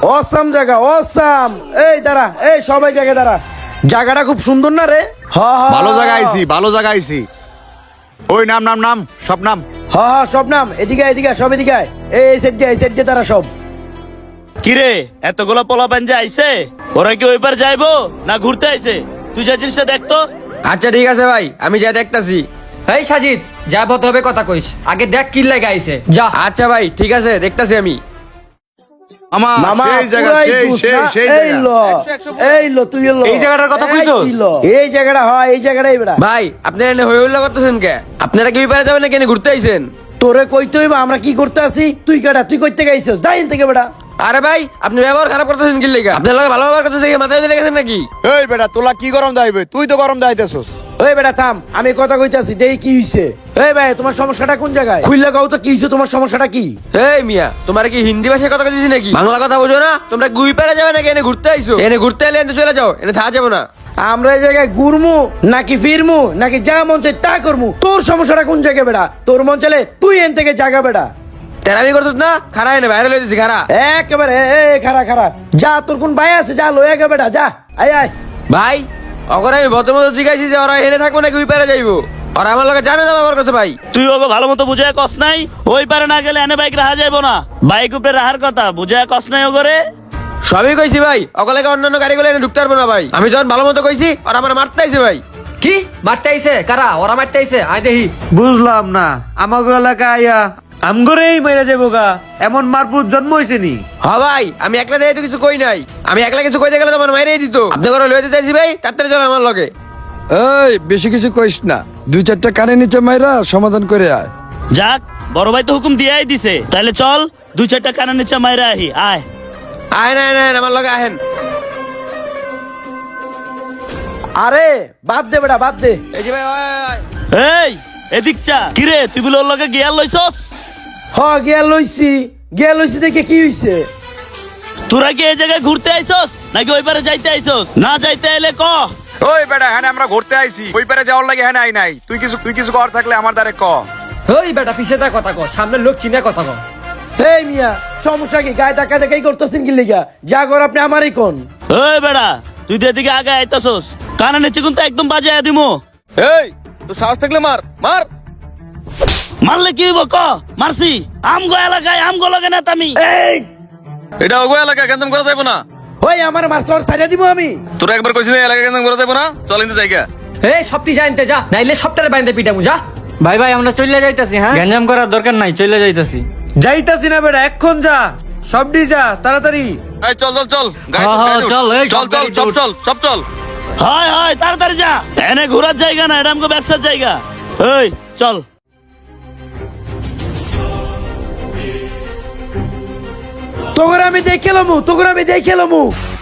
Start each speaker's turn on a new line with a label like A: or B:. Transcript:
A: Awesome জায়গা awesome. এই দাঁড়া, এই সবাই জায়গায় দাঁড়া। জায়গাটা খুব সুন্দর না রে?
B: ভালো জায়গা আইছি, ভালো জায়গা আইছি। ওই নাম নাম নাম সব নাম।
A: সব নাম। এদিকে এদিকে সব এদিকে আয়। এই সেট যে তারা সব।
C: কিরে এতগুলো পোলাপান যে আইছে, ওরা কি ওই পার যাইবো না ঘুরতে আইছে? তুই যা জিনিসটা দেখতো।
D: আচ্ছা ঠিক আছে ভাই, আমি যা দেখতাছি।
E: এই সাজিদ, যা ভদ্রভাবে কথা কইস, আগে দেখ কি লাগে আইছে, যা।
D: আচ্ছা ভাই ঠিক আছে, দেখতাছি আমি।
A: মামা
B: সেই জায়গা,
A: পুরাই
B: সেই
A: জুস
B: সেই
A: না?
B: সেই
A: এই
B: জায়গা।
A: লো, এই লো তুই এলো।
C: এই জায়গাটার কথা
A: এই
C: কইছো?
A: কি লো? এই জায়গাটা হয়, এই জায়গাটাই বেড়া।
D: ভাই আপনারা এনে হই হল্লা করতেছেন কে? আপনারা কি বিপারে যাবেন না কেন ঘুরতে আইছেন?
A: তোরে কইতে হইবা আমরা কি করতে আসি? তুই কেডা? তুই কইতে গাইছস? দাইন থেকে বেড়া।
D: আরে ভাই আপনি ব্যবহার খারাপ করতেছেন কি লেগা? আপনার লগে ভালো ব্যবহার করতেছে মাথায় ধরে গেছেন নাকি?
B: এই বেটা তোলা কি গরম দাইবে? তুই তো গরম দাইতেছস।
A: ওই বেটা থাম, আমি কথা কইতাছি, দেই কি হইছে। এই ভাই তোমার সমস্যাটা কোন জায়গায়? খুইলা গাও তো কি হইছে, তোমার সমস্যাটা কি?
D: এই মিয়া, তোমার কি হিন্দি ভাষায় কথা কইছিস নাকি? বাংলা কথা বোঝো না? তোমরা গুই পারে যাবে নাকি এনে ঘুরতে আইছো? এনে ঘুরতে এলে এনে চলে যাও, এনে থাকা যাবো না।
A: আমরা এই জায়গায় ঘুরমু নাকি ফিরমু নাকি যা মন চাই তা করমু? তোর সমস্যাটা কোন জায়গায় বেড়া? তোর মন চাইলে তুই এন থেকে জায়গা বেড়া।
D: তেরামি করছিস না? খারা এনে বাইরে লই দিছি খারা।
A: একেবারে খারা খারা যা, তোর কোন ভাই আছে যা লয়ে গে বেটা, যা আয় আয়।
D: ভাই অগর আমি ভদ্রমতো জিজ্ঞাসি যে ওরা এনে থাকবো নাকি ওই পারে যাইবো? ওরা আমার লগে জানে না ব্যবহার করছে ভাই।
C: তুই ওকে ভালো মতো বুঝায় কস নাই? ওই পারে না গেলে এনে বাইক রাহা যাইবো না। বাইক উপরে রাহার কথা বুঝায় কস নাই ওগরে?
D: সবই কইছি ভাই, অকলেকে অন্যান্য গাড়িগুলো এনে ঢুকতে পারবো না ভাই। আমি যখন ভালো মতো কইছি আর আমার মারতে আইছে ভাই।
E: কি মারতে আইছে? কারা? ওরা মারতে আইছে? আয় দেখি।
F: বুঝলাম না, আমাকে এলাকা আইয়া আমগরেই মেরে যাবো গা, এমন মারপুর জন্ম হয়েছে নি?
D: হ ভাই, আমি একলা দিয়ে তো কিছু কই নাই। আমি একলা কিছু কইতে গেলে তোমার মাইরেই দিত। আপনি করে লইতে চাইছি ভাই, তাড়াতাড়ি চলো আমার লগে।
G: এই বেশি কিছু কইস না, দুই চারটা কানে নিচে মাইরা সমাধান করে আয়।
C: যাক, বড় ভাই তো হুকুম দিয়াই দিছে, তাহলে চল 2-4টা কানের নিচে মাইরা আহি। আয়
D: আয় না না আমার লগে আহেন।
A: আরে বাদ দে বেটা, বাদ দে।
D: এই যে ভাই ওই, ওই, ওই।
C: এই এদিক চা। কিরে তুই বলে ওর লগে গিয়ার লইছস?
A: গিয়া লইছি দেখে কি হইছে?
C: তোরা কি এই জায়গায় ঘুরতে আইছস নাকি ওই পারে যাইতে আইছস? না যাইতে এলে ক।
B: ওই বেটা হ্যাঁ আমরা ঘুরতে আইছি, ওই পারে যাওয়ার লাগে হ্যাঁ আই নাই। তুই কিছু কর থাকলে আমার দ্বারে ক।
E: ওই বেটা পিছে তা কথা কর, সামনে লোক চিনে কথা কর।
A: এই মিয়া সমস্যা কি? গায়ে ধাক্কা দেখাই করতেছেন কি লিগা? যা কর আপনি আমারই কোন।
C: ওই বেড়া তুই তো এদিকে আগে আইতাছস, কানে নিচে কিন্তু একদম বাজে দিমু।
D: এই তো সাহস থাকলে মার মার।
C: মারলে কি হইব ক? মারছি আমগো এলাকায় আমগো লগে না তুমি।
A: এই
D: এটা ওগো এলাকা কেন করা যাইবো না?
A: ওই আমার মাস্টার ছাড়িয়ে দিব আমি।
D: তোরা একবার কইছিস এলাকা কেন করা যাইবো না? চল ইনতে জায়গা।
E: এই সবটি জানতে যা, নাইলে সবটারে বাইন্দে পিটামু, যা।
F: ভাই ভাই আমরা চলে যাইতাছি, হ্যাঁ গ্যাঞ্জাম করার দরকার নাই, চলে যাইতাছি। যাইতাছি না বেটা, এক্ষণ যা, সবডি যা তাড়াতাড়ি।
D: এই চল চল চল
F: চল, এই
D: চল চল সব চল সব চল।
C: হয় হয় তাড়াতাড়ি যা, এনে ঘোরার জায়গা না, এটা আমগো ব্যবসার জায়গা। এই চল।
A: তোকে আমি দেখে লমু, তোকে আমি দেখে লমু।